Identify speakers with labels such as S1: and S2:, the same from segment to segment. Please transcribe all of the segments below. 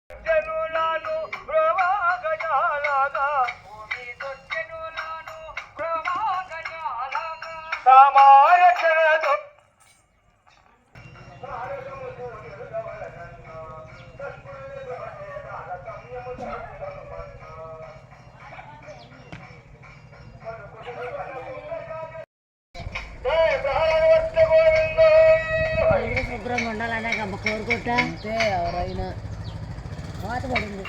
S1: శుభ్రంగా ఉండాలనే అమ్మ కోరుకుంటా అంతే ఎవరైనా వాత పడింది.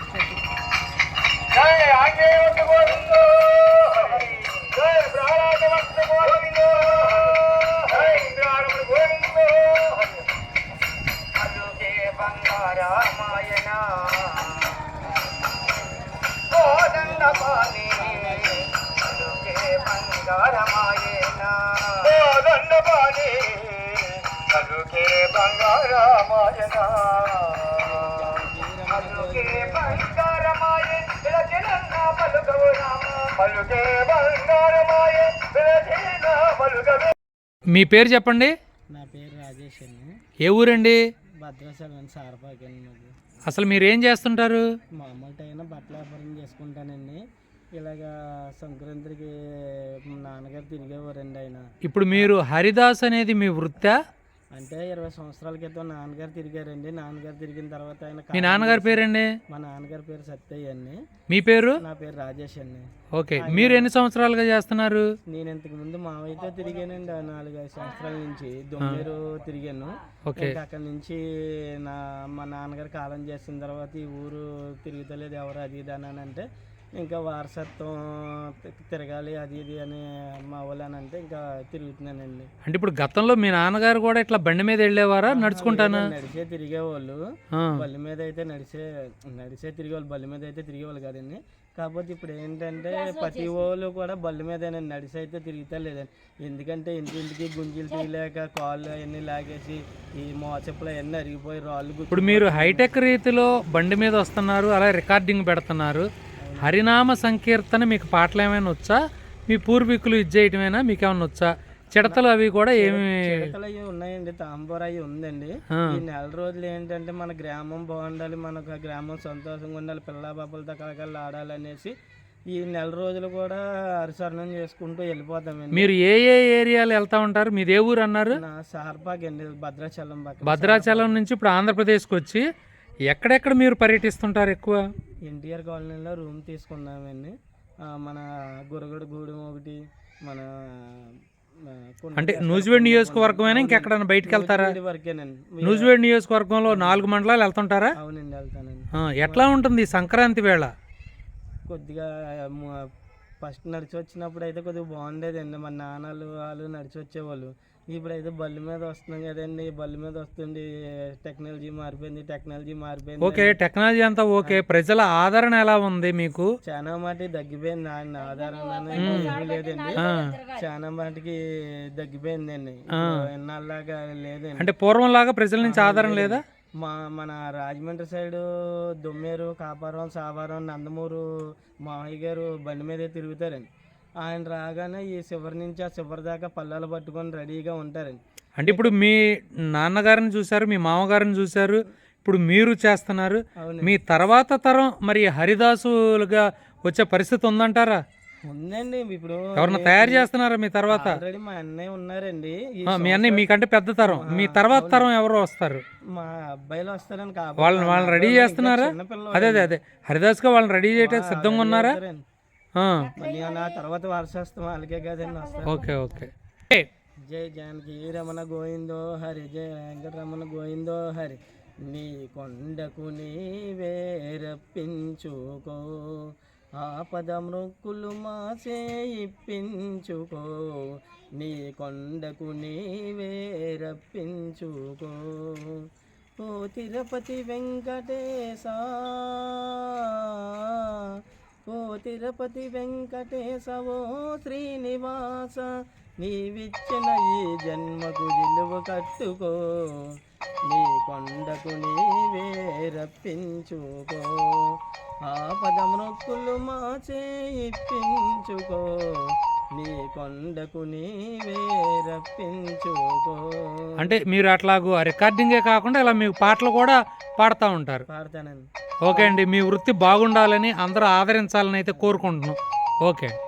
S2: మీ పేరు చెప్పండి.
S1: నా పేరు రాజేష్ అండి.
S2: ఏ ఊరండి?
S1: భద్రాచలం సారపాకి.
S2: అసలు మీరు ఏం చేస్తుంటారు?
S1: మామూలు టైం బట్టల వ్యాపారం చేసుకుంటానండి. ఇలాగా సంక్రాంతికి నాన్నగారు తిరిగేవారండి ఆయన.
S2: ఇప్పుడు మీరు హరిదాస్ అనేది మీ వృత్తా?
S1: అంటే 20 సంవత్సరాల క్రితం నాన్నగారు తిరిగారండి. నాన్నగారు తిరిగిన తర్వాత ఆయన.
S2: మీ నాన్నగారి పేరండి?
S1: మా నాన్నగారి పేరు సత్తయ్య అండి.
S2: మీ పేరు?
S1: నా పేరు రాజేష్ అండి.
S2: ఓకే, మీరు ఎన్ని సంవత్సరాలుగా చేస్తున్నారు?
S1: నేను ఇంతకు ముందు మావయ్యతో తిరిగానండి 4-5 సంవత్సరాల నుంచి. దొమ్మేరు తిరిగాను. అక్కడి నుంచి మా నాన్నగారు కాలం చేసిన తర్వాత ఈ ఊరు తిరుగుతలేదు ఎవరు అది ఇది అని అంటే ఇంకా వారసత్వం తిరగాలి అది ఇది అని మా వాళ్ళు అని అంటే ఇంకా తిరుగుతున్నానండి.
S2: అంటే ఇప్పుడు గతంలో మీ నాన్నగారు కూడా ఇట్లా బండి మీద వెళ్ళేవారా నడుచుకుంటానా?
S1: నడిచే తిరిగేవాళ్ళు. బల్లి మీద అయితే నడిచే తిరిగేవాళ్ళు, బల్లి మీద అయితే తిరిగేవాళ్ళు కాదండి. కాకపోతే ఇప్పుడు ఏంటంటే ప్రతి వాళ్ళు కూడా బల్లి మీదేనండి, నడిచి అయితే తిరుగుతా లేదండి. ఎందుకంటే ఇంటింటికి గుంజీలు తీయలేక కాళ్ళు అవన్నీ లాగేసి ఈ మోచెప్పులు అవన్నీ అరిగిపోయి రాళ్ళు.
S2: ఇప్పుడు మీరు హైటెక్ రీతిలో బండి మీద వస్తున్నారు, అలా రికార్డింగ్ పెడుతున్నారు. హరినామ సంకీర్తన మీకు పాటలు ఏమైనా వచ్చా? మీ పూర్వీకులు ఇది చేయటమేనా? మీకు ఏమైనా వచ్చా? చిడతలు అవి కూడా ఏమి?
S1: చిడతలు అవి ఉన్నాయండి, తాంబూర అవి ఉందండి. ఈ నెల రోజులు ఏంటంటే మన గ్రామం బాగుండాలి, మనకు గ్రామం సంతోషంగా ఉండాలి, పిల్ల బాబులతో కలకలు ఆడాలనేసి ఈ నెల రోజులు కూడా హరిశరణం చేసుకుంటూ వెళ్ళిపోతామండి.
S2: మీరు ఏ ఏ ఏరియాలు వెళ్తా ఉంటారు? మీది ఏ ఊరు అన్నారు?
S1: నా సార్పాక్ అండి, భద్రాచలం పక్కన.
S2: భద్రాచలం నుంచి ఇప్పుడు ఆంధ్రప్రదేశ్కి వచ్చి ఎక్కడెక్కడ మీరు పర్యటిస్తుంటారు ఎక్కువ?
S1: ఎన్టీఆర్ కాలనీలో రూమ్ తీసుకున్నామండి. మన గురగడు గూడెం ఒకటి, మన
S2: అంటే నూజివేడ్ నియోజకవర్గమైనా ఇంకెక్కడైనా బయటకు వెళ్తారా? నూజివేడ్ నియోజకవర్గంలో 4 మండలాలు వెళ్తుంటారా?
S1: అవునండి, వెళ్తానండి.
S2: ఎట్లా ఉంటుంది సంక్రాంతి వేళ?
S1: కొద్దిగా ఫస్ట్ నడిచి వచ్చినప్పుడు అయితే కొద్దిగా బాగుండేదండి. మన నాన్నలు వాళ్ళు నడిచి వచ్చేవాళ్ళు. ఇప్పుడైతే బల్లి మీద వస్తున్నాం కదండి, బల్లి మీద వస్తుంది. టెక్నాలజీ మారిపోయింది.
S2: ఓకే, టెక్నాలజీ అంతా ఓకే. ప్రజల ఆదరణ ఎలా ఉంది మీకు?
S1: చాలా మాటికి తగ్గిపోయింది. ఆయన ఆదరణ ఏమీ లేదండి, చాలా మాటికి తగ్గిపోయిందండి. ఎన్నాళ్ళలాగా లేదండి.
S2: అంటే పూర్వం లాగా ప్రజల నుంచి ఆదరణ లేదా?
S1: మన రాజమండ్రి సైడు దొమ్మేరు, కాపారం, సావారం, నందమూరు మామయ్య గారు బండి మీదే తిరుగుతారండి. ఆయన రాగానే ఈ చివరి నుంచి ఆ చివరి దాకా పళ్ళాలు పట్టుకొని రెడీగా ఉంటారండి.
S2: అంటే ఇప్పుడు మీ నాన్నగారిని చూశారు, మీ మామగారిని చూశారు, ఇప్పుడు మీరు చేస్తున్నారు. మీ తర్వాత తరం మరి హరిదాసులుగా వచ్చే పరిస్థితి ఉందంటారా?
S1: ఉందండి. ఇప్పుడు
S2: ఎవరన్నా తయారు చేస్తున్నారా మీ తర్వాత?
S1: ఆల్రెడీ మా అన్నయ్య ఉన్నారండి.
S2: మీ అన్నయ్య మీకంటే పెద్ద తరం. మీ తర్వాత తరం ఎవరు వస్తారు?
S1: మా అబ్బాయిలు వస్తారని
S2: వాళ్ళని రెడీ చేస్తున్నారా? అదే హరిదాస్గా వాళ్ళని రెడీ చేయడానికి సిద్ధంగా ఉన్నారా?
S1: నా తర్వాత వారసత్వం వాళ్ళకే కదండి వస్తారు.
S2: ఓకే.
S1: జై జానకి రమణ గోవిందో హరి, జయ వెంకటరమణ గోవిందో హరి. నీ కొండకు నీవే రప్పించుకో, ఆపద మృక్కులు మాసే ఇప్పించుకో. నీ కొండకు నీవే రప్పించుకో. ఓ తిరుపతి వెంకటేశ, ఓ తిరుపతి వెంకటేశ, ఓ శ్రీనివాస, నీవిచ్చిన ఈ జన్మకు విలువ కట్టుకో. నీ కొండకు నీవే రప్పించుకో, ఆపద మృక్కులు మాచే ఇప్పించుకో. నీ కొండకు నీవే రప్పించుకో.
S2: అంటే మీరు అట్లాగూ రికార్డింగే కాకుండా ఇలా మీకు పాటలు కూడా పాడుతూ ఉంటారు?
S1: పాడతానండి.
S2: ఓకే అండి, మీ వృత్తి బాగుండాలని అందరూ ఆదరించాలని అయితే కోరుకుంటున్నాం. ఓకే.